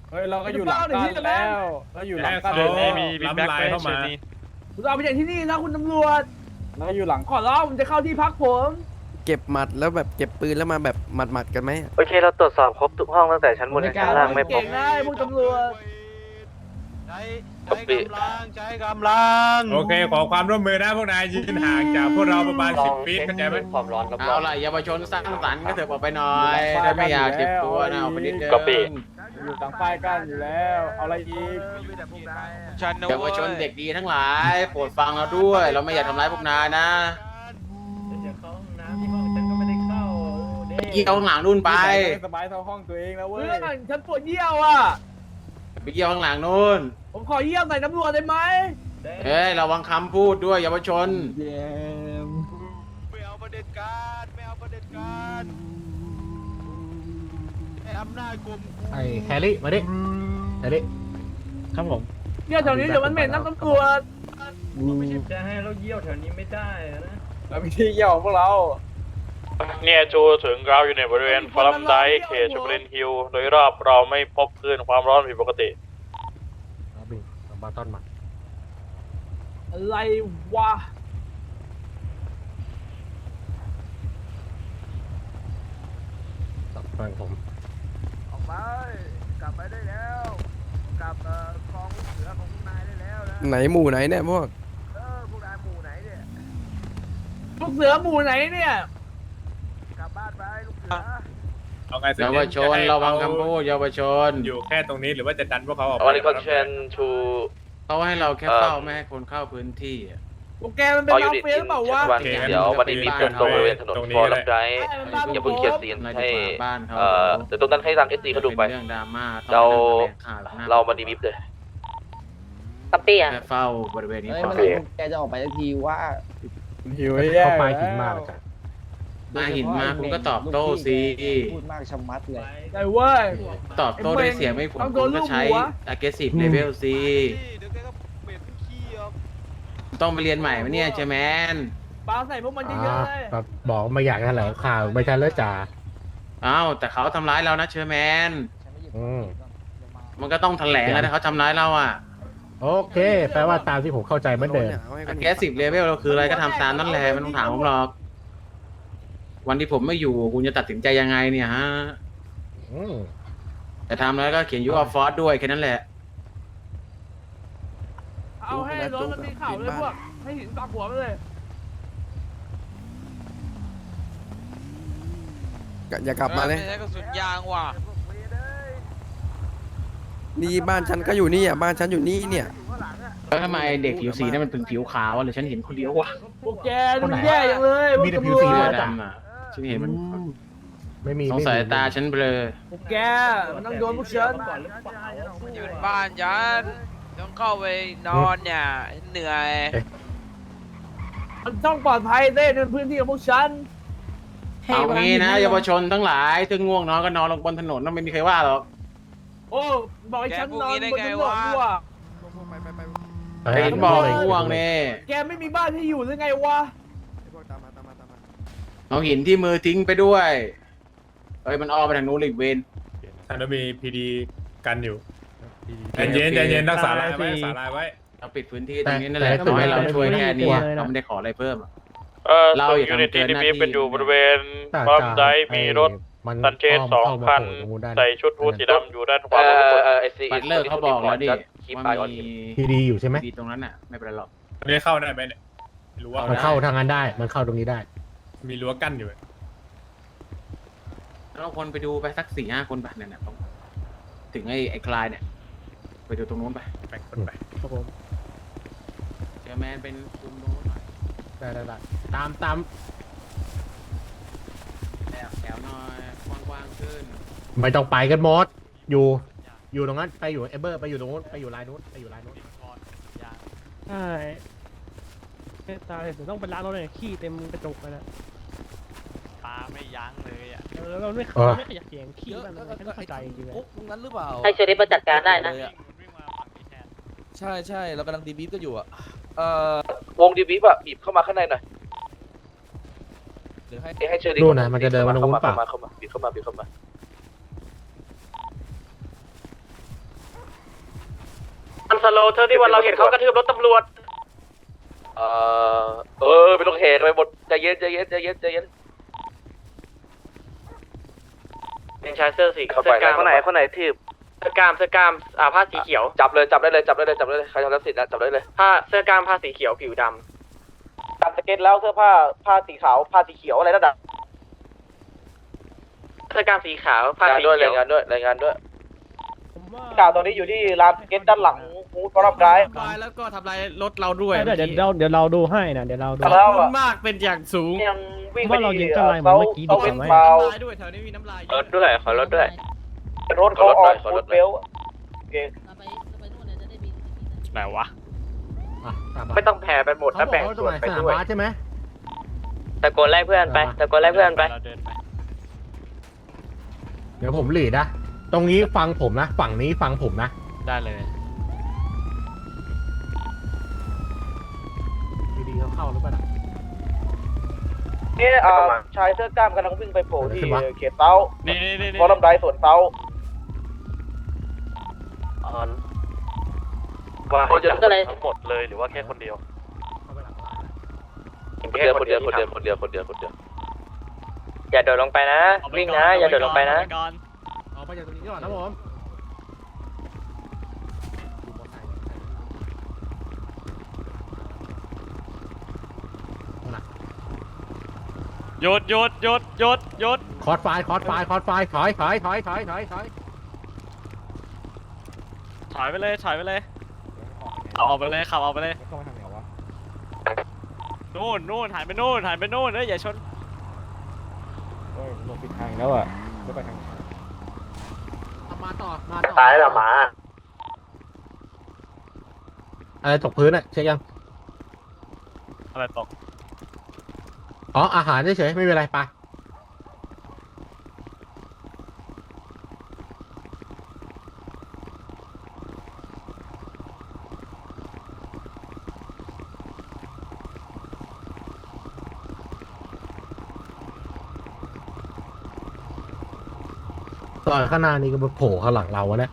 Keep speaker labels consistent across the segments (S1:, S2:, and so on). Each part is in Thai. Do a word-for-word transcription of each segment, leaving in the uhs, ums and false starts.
S1: เฮ้ยเราก็อยู่หลังกันแล้วเราอยู่หลังกัน
S2: เดือนนี้มี
S3: บิ๊กแบ็คเข้ามา
S4: คุณเอาไปจากที่นี่นะคุณตำรวจ
S1: เราอยู่หลัง
S4: ขอร้องผมจะเข้าที่พักผม
S5: เก็บหมัดแล้วแบบเก็บปืนแล้วมาแบบหมัดหมัดๆกันไหม
S6: โอเคเราตรวจสอบครบทุกห้องตั้งแต่ชั้นบนถึงชั้นล่างไม่พ
S4: เก่
S6: บ
S4: งนะพวกตำรวจ
S2: ใช้ใช้กำลังใช้กำลัง
S3: โอเคขอความร่วมมือนะพวกนายยืนห่างจากพวกเราประมาณสิบฟีตเข้าใจไหม
S6: ความร้อนรอบ
S2: เอาล่ะเยาวชนสร้างสรรค์ก็เถอะออกไปหน่อยถ้าไม่อยากเจ็บตัวนะออกไปนิดเดียว
S1: อยู่หลังป้ายกันอยู่แล้วเอาอะไรอีก
S7: ฉันนะ
S2: เยาว
S7: เว้ย
S2: ชนเด็กดีทั้งหลายโปรดฟังเราด้วย เราไม่อยากทำร้ายพวกนายนะเกี่ยวข้างหลังนู่นไป
S1: สบายเท่าห้องตัวเองแล้วเว้ย
S4: เรื่องฉันปวดเยี่ยวอ่ะ
S2: ไปเกี่ยวข้างหลังนู่น
S4: ผมขอเยี่ยวใส่ตำรวจได้ไหม
S2: เอ้ยระวังคำพูดด้วยเยาวชน
S7: ไม่เอาประเด็นการไม่เอาประเด็นการไอ้อำนาจกลม
S8: ไอ้แฮร์รี่มาดิแฮร์รี่ครับผม
S4: เยี่ยวแถวนี้เดี๋ยวมันเหม็นน้ำตำรวจ
S1: ไม่ใช่จะให้เราเยี่ยวแถวนี้ไม่ได้นะเรามีที่เยี่ยวของพวกเรา
S9: เนี่ยจูถึงเราอยู่ในบริเวณฟลัมไดเขตชูบรินฮิลโดยรอบเราไม่พบคลื่นความร้อนผิดปกติ
S8: เอาบิงเอาบาต้อนมา
S4: อะไรวะ
S8: ตับฟังผม
S4: ออกไปกลับไปได้แล้วกลับกองเสือของนายได้แล้วนะ
S5: ไหนหมู่ไหนเนี่ยพวก
S4: เออพวกนายหมู่ไหนเนี่ยลูกเสือหมู่ไหนเนี่ยกลับบ้านไปลูกเสือ
S3: เอาไง
S2: เยาวชนระวังคำพูดเยาวชน
S3: อยู่แค่ตรงนี้หรือว่าจะดันพวกเขาออก
S6: วันนี้ก็เชิญชู
S2: เขาให้เราแค่เฝ้าไม่ให้คนเข้าพื้นที่อะ
S4: พวกแกมันเป็น
S6: ออยู
S4: มา
S6: นิต
S4: เฟียหรือเปล่าวะ
S6: วันเดี๋ยววันนี้มีเดินตรงบริเวณถนนฟอร์ลัมไดอย่าเพิ่งเขียนซีนให้เอ่อเดี๋ยวตรงนั้นให้ทางเอสซีเขาดูไป
S2: เรื่องดราม่า
S6: เรา
S2: ข่าวหน้
S6: เรามาดีบิฟเลย
S10: ตับเตี้ย
S2: แค่เฝ้าบริเวณนี้
S10: เฮ้ย
S2: พอ
S10: เมื่อไหร่แกจะออกไปสักทีว่า
S1: หิวไอ้แย่
S8: เข้าไปหินมาแล้วจ้ะ
S2: มาหินมาคุณก็ตอบโต้สิ
S10: พูดมากชะมัดเลย
S4: ได้เว้ย
S2: ตอบโต้ด้วยเสียงไม่ผล
S4: ต้องโด
S2: คุ
S4: น
S2: ณ
S4: ลู
S2: ก็
S4: ก
S2: ใช้
S4: หัว
S2: aggressive level สิ
S7: เดี๋ยวแกก็เหม็นขี้ออก
S2: ต้องไปเรียนใหม่ไหมเนี่ยเชแมน
S4: ปาใส่พวกมันเย
S8: อ่า
S4: อะๆเลย
S8: แบบบอกไม่อยากแถลงข่าวไม่ใช่เลยจ่า
S2: อ้าวแต่เขาทำร้ายเรานะเชอร์แมน
S8: อืม
S2: มันก็ต้องแถลงนะถ้าเขาทำร้ายเราอ่ะ
S8: โอเค แปลว่าตามที่ผมเข้าใจเหมือนเดิม
S5: อาให้คน
S2: aggressive level เราคืออะไรก็ทำตามนั่นแหละไม่ต้องถามผมหรอก วันที่ผมไม่อยู่คุณจะตัดสินใจยังไงเนี่ยฮะ
S8: อืม
S2: แต่ทำแล้วก็เขียนยูออฟฟอร์ด้วยแค่นั้นแหละ
S4: เอาให้รถมันมีเข่าเลยพวก ให้หินปักหัวมันเลย
S5: อย่ากลับมาเลย
S7: ไใช้กระสุนยางว่ะ
S5: นี่บ้านฉันก็อยู่นี่อ่ะบ้านฉันอยู่นี่เนี่ย
S2: แล้วทำไมเด็กผิวสีนั่นมันเป็นผิวขาวอะหรือฉันเห็นคนเดียววะ
S4: พวกแกดูแย่จังเลยพวก
S8: มีแต่ผิ
S4: ตำ
S8: ว
S4: ร
S8: สี
S4: ว
S8: เล
S4: จ
S8: ย
S2: ดำอ่ะฉันเห็นมัน
S8: ไม่มี
S2: สง
S8: ไม่มี
S2: สายตาฉันเบลอ
S4: พวกแกมันต้องโดนพวกฉัน
S7: อยู่ในบ้านฉันต้องเข้าไปนอนเนี่ยเหนื่อย
S4: มันต้องปลอดภัยเต้ในพื้นที่ของพวกฉัน
S2: เอางี้นะเยาวชนทั้งหลายถึงง่วงนอนก็นอนลงบนถนนไม่มีใครว่าหรอก
S4: โอ้บอกให้ฉันนอนบนถนนด้วยว่ะ
S8: เฮ้ย
S2: เห็นบอกง่วงเนี่ย
S4: แกไม่มีบ้านที่อยู่หรือไงวะ
S2: เอาหินที่มือทิ้งไปด้วยเอ้ยมันอ้อมไปทางนู้นอีกเวน
S3: ท่านก็มีพีดีกันอยู่ใจเย็นใจเย็นรักษาลายไว้รักษาลายไว้
S2: เราปิดพื้นที่ตรงนี้นั่นแหละขอให้เราช่วยแค่นี้เราไม่ได้ขออะไรเพิ่ม
S9: เอ่อ
S2: เรา
S9: ส่วน
S2: อย่า
S9: ยูนิต
S2: ทำเกิน
S9: ที่
S2: หน้า
S9: มี
S2: ที่
S9: เป็นอยู่บริเวณ
S8: จ่า
S9: ฟลัม
S8: จ่า
S9: ไดมีรถ
S8: ไอ้มัน
S9: ซันเชสสอง
S8: เข้ามา
S9: คัน
S8: โผล่ตรงนู้นได้
S9: ใส่ชุดฮูดสีดำอยู่ด้านขวา
S6: เอ่
S9: มือทุกคน
S6: อเอสซี
S2: บัตเลอร์เขาบอกแล้วดิ
S6: คีป
S2: ว่า
S6: ไอออน
S2: มี
S8: ทีดีอยู่ใช่ไหม
S2: ดีตรงนั้นน่ะไม่เป็นไรหรอก
S3: อันนี้เข้าได้ไหมเนี่ยไม่รู้ว่า
S8: มันเข้าทางนั้นได้ มันเข้าตรงนี้ได้
S3: มีรั้วกั้นอยู่
S2: เราคนไปดูไปสักสี่ห้าคนไปเนี่ยนะถึงไอ้ไอ้คลายเนี่ยไปดูตรงนู้นไป
S3: แบ่งคนไป
S8: ครับผม
S2: เจอแมนเป็นคุมตรงนู้นหน่อย
S8: ได้ได้ได้ตามตาม
S2: แถวแถวหน่อยกว้างๆขึ้น
S8: ไม่ต้องไปกันหมด อยู่ อยู่ตรงนั้น ไปอยู่เอเบอร์ ไปอยู่ตรงนู้น ไปอยู่ลายนู้น ไปอยู่ลายนู้น
S11: ใช่ตาเห็นต้องเป็นร้านเราเลยขี้เต็มกระจกเลยนะ
S7: ปลาไม่ยั้งเลยอ่ะ
S11: แล้วเราไม่
S8: เออ
S11: ไม่ขยักเสียงขี้มันอะไรฉันเข้าใจจริงๆเลย
S10: ตรงนั้นหรือเปล่าให้เชอรี่มาจัดการได้นะใช่ใช่เรากำลังดีบีฟก็อยู่อ่ะ เอ่อ
S6: วงดีบิฟอะบีบเข้ามาข้างในหน่อย
S10: หรือให้
S6: ให้เชอรี่
S8: นู่นนะมันจะเดินมาตรงนู้นเปล่า
S6: เข้ามาเข้ามาบีบเข้ามาบีบเข้ามาสโลเธอที่วันเราเห็นเขากระทืบรถตำรวจเออเออไม่ต้องแหกไปหมดใจเย็นใจเย็นใจเย็นใจเย็นเป็นชายเสื้อสีเสื้อกล้ามคนไหนคนไหนทีบเสื้อกล้ามเสื้อกล้ามอ่าผ้าสีเขียวจับเลยจับได้เลยจับได้เลยจับได้เลยใครทำรับสิทธิ์นะจับได้เลยผ้าเสื้อกล้ามผ้าสีเขียวผิวดำตัดสเก็ตแล้วเสื้อผ้าผ้าสีขาวผ้าสีเขียวอะไรนั่นน่ะเสื้อกล้ามสีขาวผ้าสีเขียวรายงานด้วยรายงานด้วย
S11: ผมว่า
S6: ข่าวตอนนี้อยู่ที่ร้านสเก็ตด้านหลังมูดบอรับร้าย
S2: ทำลายแล้วก็ทำลายรถเราด้วย
S11: เดี๋ยวเดี๋ยวเราเดี๋ยวเราดูให้นะเดี๋ยวเราดู
S2: ขอบคุณมากเป็นอย่างสูง
S6: ยังวิ่งไป
S11: ว่าเรา
S6: ที่
S11: ยิงอะไรเหมือนเมื่อกี้ดีกว่าไหม
S6: เบา
S2: น้ำลายด้วยแถวนี้มีน้ำลาย
S6: รถด้วยขอรถด้วยรถเขาออกฟูดเบลโอเค
S9: ไหนวะ
S8: อ่ะตามมา
S6: ไม่ต้องแผ่ไปหมด
S8: เขา
S6: นะ
S8: บอ
S6: แบ่
S8: ก
S6: ง
S8: ว่าตร
S6: ส่
S8: ง
S6: วน
S8: ไหน
S6: ไป
S8: สนาม
S6: ด้วย
S8: บาสใช่ไหม
S6: ตะโกนไล่เพื่อนไปตะโกนไล่เพื่อนไป
S9: เราเดินไป
S8: เดี๋ยวผมหลีดนะ ตรงนี้ฟังผมนะ ฝั่งนี้ฟังผมนะ
S9: ได้เลย
S8: ดีๆเขาเข้าหรือเปล่านะ
S6: นี่ชายเสื้อกล้ามกำลังวิ่งไปโผล่ที่เขตเต้า
S9: นี่นี่นี่
S6: บอลลำไดสวนเต้าว่าจะทั้งหมดเลยหรือว่าแค่คนเดียว
S8: เข้าไปหลังร้านนะ
S6: แค่คนเดียวคนเดียวคนเดียวคนเดียวคนเดียวอย่าโดดลงไปนะวิ่งนะอย่าโดดลงไปนะ
S8: เอาไปจากตรงนี้ก่อนนะผมดูมอเตอร์ไซค์เอาล่ะ
S9: หยุดหยุดหยุดหยุดหยุด
S8: คอร์ดไฟล์คอร์ดไฟล์คอร์ดไฟล์ถอยถอยถอยถอยถอยถอย
S9: ถอยไปเลยถอยไปเลยขับออกไปเลยขับออกไปเลยนู่นนู่นหันไปนู่นหันไปนู่นเอ้ยอย่าชน
S8: มาต่อมาต่อ
S6: ตายแล้วหมา
S8: อะไรตกพื้นอะเช็คยัง
S9: อะไรตก
S8: อ๋ออาหารเฉยๆไม่เป็นไรไปต่อยข้างหน้านี่ก็มาโผล่ข้างหลังเราวะเนี่ย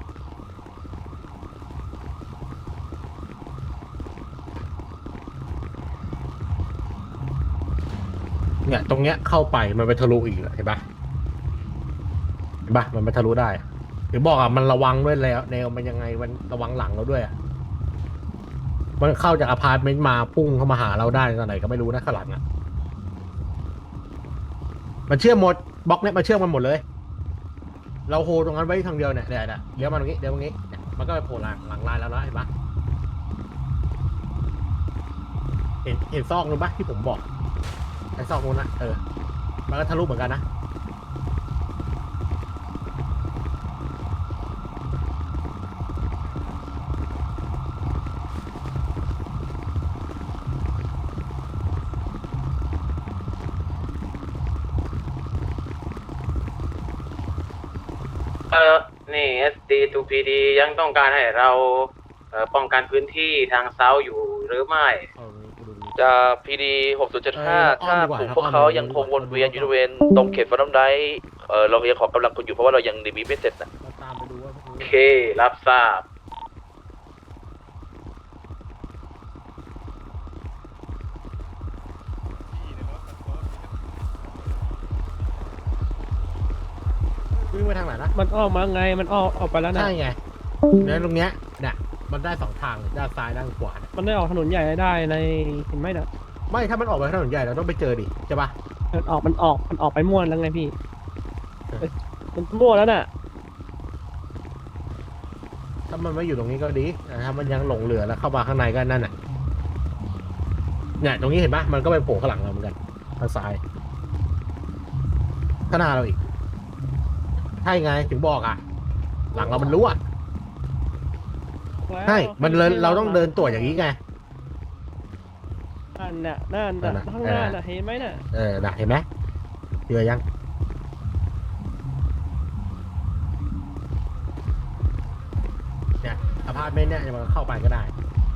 S8: เนี่ยตรงเนี้ยเข้าไปมันไปทะลุอีกเห็นปะเห็นปะมันไปทะลุได้หรือบอกอ่ะมันระวังด้วยแล้วแนวมันยังไงมันระวังหลังเราด้วยอ่ะมันเข้าจากอพาร์ตเมนต์มาพุ่งเข้ามาหาเราได้ตอนไหนก็ไม่รู้นะข้างหลังอ่ะมันเชื่อมหมดบล็อกเนี้ยมันเชื่อมมันหมดเลยเราโฮตรงนั้นไว้ทางเดียวเนี่ยเดี๋ยวเดี๋ยวมาตรงนี้เดี๋ยวตรงนี้เนี่ยมันก็ไปโผล่หลังหลังลายแล้วนะเห็นปะเห็นเห็นซอกนู้นปะที่ผมบอกไอ้ซอกนู้นนะเออมันก็ทะลุเหมือนกันนะ
S2: เออนี่ เอส ดี ทู พี ดี ยังต้องการให้เราเอ่อป้องกันพื้นที่ทางเซาอยู่หรือไม่
S6: จะ พี ดี หกศูนย์เจ็ดห้าถ้ากลุ่มพวกเขายังคงวนเวียนอยู่บริเวณตรงเขตฟอรัมไดเออเรายังขอกำลังคนอยู่เพราะว่าเรายังรีวิวไม่เสร็จนะ
S8: เราตามไปดูว่า
S2: โอเค รับทราบ
S8: วิ่งไปทางไหนนะ
S11: มันออกมาไงมันออกออกไปแล้วนะ
S8: ใช่ไงเนี่ยตรงเนี้ยเนี่ยมันได้สองทางด้านซ้ายด้านขวาเนี่ย
S11: มันได้ออกถนนใหญ่ได้ในเห็นไหมนะ
S8: ไม่ถ้ามันออกไปถนนใหญ่เราต้องไปเจอดิใช่ปะ
S11: มันออกมันออกมันออกไปม่วนแล้วไงพี่เอ้ยมันมั่วแล้วน่ะ
S8: ถ้ามันไม่อยู่ตรงนี้ก็ดีแต่ถ้ามันยังหลงเหลือแล้วเข้ามาข้างในก็นั่นน่ะเนี่ยตรงนี้เห็นปะมันก็ไปโผล่ข้างหลังเราเหมือนกันทางซ้ายข้างหน้าเราอีกใช่ไงถึงบอกอ่ะ หลังเรามันรู้อ่ะใช่มันเลยเราต้องเดินตรวจอย่างนี้ไง
S11: นั่นน่ะนั่น
S8: นั่
S11: น่ะ
S8: นน่ะ
S11: ข้างหน้าน่ะเห็นไหมน่ะ
S8: เออน่ะเห็นไหมเจอยังเนี่ยอพาร์ตเมนต์เนี่ยมันเข้าไปก็ได้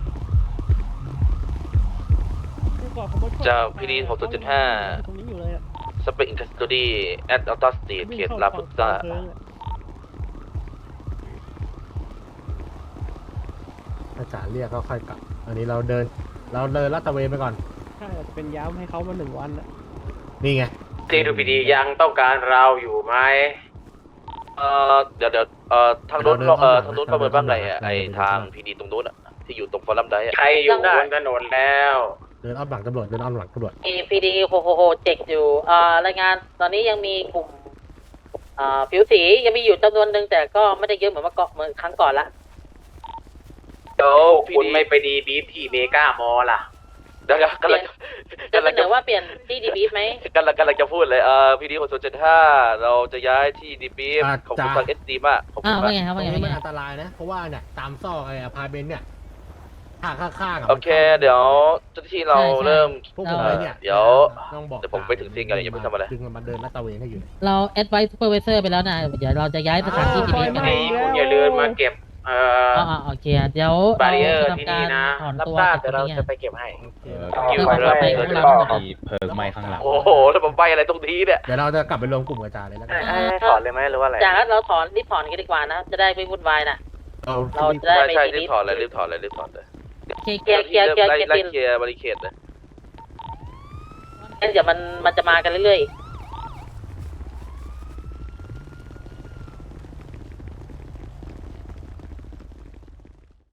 S6: จะ พี ดี หกศูนย์เจ็ดห้า
S11: ตรงนี้อยู่เลยอ่ะ
S6: สเปรย์อินเทอร์สตูดี้แอดอัลต้าสตรีทเขตลาพุต้า
S8: ถ้าจ่าเรียกก็ค่อยกลับ อันนี้เราเดิน เราเดินลาดตระเวนไปก่อน
S11: ใช่อาจจะเป็นย้ำให้เขามาหนึ่งวันอะ
S8: นี่ไง
S2: ทีทูพีดียังต้องการเราอยู่ไหม
S6: เอ่อเดี๋ยวเดี๋ยวเอ่อทางนู้นเอ่อทางนู้นประเมินว่าไงอ่ะไอทางพีดีตรงนู้นอ่ะที่อยู่ตรงฟอรัมไดอ่ะ
S2: ใครอยู่บนถนนแล้ว
S8: เดินอ้อมหลังตำรวจ เดินอ้อมหลังตำรวจ
S10: มีพีดีโฮโฮโฮเจ็กอยู่อ่ารายงานตอนนี้ยังมีกลุ่มอ่าผิวสียังมีอยู่จำนวนหนึ่งแต่ก็ไม่ได้เยอะเหมือนเมื่อก่อนเหมือนครั้งก่อนละ
S2: เดี๋ยวคุณไม่ไปดีบีฟที่เมกามอลล่ะ
S6: เดี๋ยวกำลัง
S10: จะเสนอว่าเปลี่ยนที่ดีบีฟไหม
S6: กำลังกำลังจะพูดเลยเอ่อพีดีหกศูนย์เจ็ดห้าเราจะย้ายที่ดีบี
S8: อ่า
S6: ของคุณ
S8: จ้า
S6: ฟังเอสดีมากขอบคุ
S10: อ่า
S6: ณ
S10: ว่า
S6: มาก
S10: ไงครับ
S8: ตร
S10: ว่าง ไง
S8: นี้
S10: ว่า
S8: มัน
S10: ไง
S8: อันตรายนะ เพราะว่าเนี่ยตามซอกไอ้อพาร์ตเมนต์เนี่ยข้างข้างๆะ
S6: โอเค เดี๋ยวเจ้าหน้าที่เราเริ่ม
S8: พวกผมไปเนี่ย
S6: เดี๋ยว
S8: ต้องบอก
S6: เดี๋ยวผมไปถึงที่กันอย่าเพิ่งทำอะไร
S8: ดึงมันมาเดินลาดตระเวนให้อยู่
S10: เราแอดไวซ์ซูเปอร์ไวเซอร์ไปแล้วนะเดี๋ยวเราจะย้ายสถานที่ดีบีฟกัน
S2: นี่คุณอย่าลืมมาเก็บ เอ่อ
S10: อ๋อโอเคเดี๋ยว
S2: บาริเออร์
S10: จะ
S2: ที่
S10: ทำ
S2: นี่
S10: การ
S2: นะ
S10: ถอน
S2: รับ
S10: ตัว
S2: ทราบ
S10: จาก
S2: เดี๋ยว
S10: ตร
S2: เรา
S10: งนี้
S2: จะไปเก็บให้
S10: เพื่อความปลอดภัยของเราทั้งหมด
S3: เพิกไม้ข้างหลัง
S6: โอ้โหแล้วผมไปอะไรตรงนี้เนี่ย
S8: เดี๋ยวเราจะกลับไปรวมกลุ่มกับจ่าเลยแล้วกัน
S6: ให้ถอนเลยไหมหรือว่าอะไร
S10: จากนั้นเราถอนรีบถอนกันดีกว่านะ จะได้ไม่วุ่นวายนะ
S8: เรา
S10: เราจะได้
S6: ใช่
S10: ไป
S6: ใช่
S10: ดี
S6: รี
S10: บี
S6: บ
S10: ฟ
S6: ถอนเลยรีบถอนเลยรีบถอนเลย
S10: เคลียร์เคลียร์เคลียร์เคลียร์
S6: ไล่
S10: เคลียร์
S6: ไล่
S10: ทีม
S6: เคลียร์บริเคดเลย
S10: งั้นเดี๋ยวมันมันจะมากันเรื่อยๆ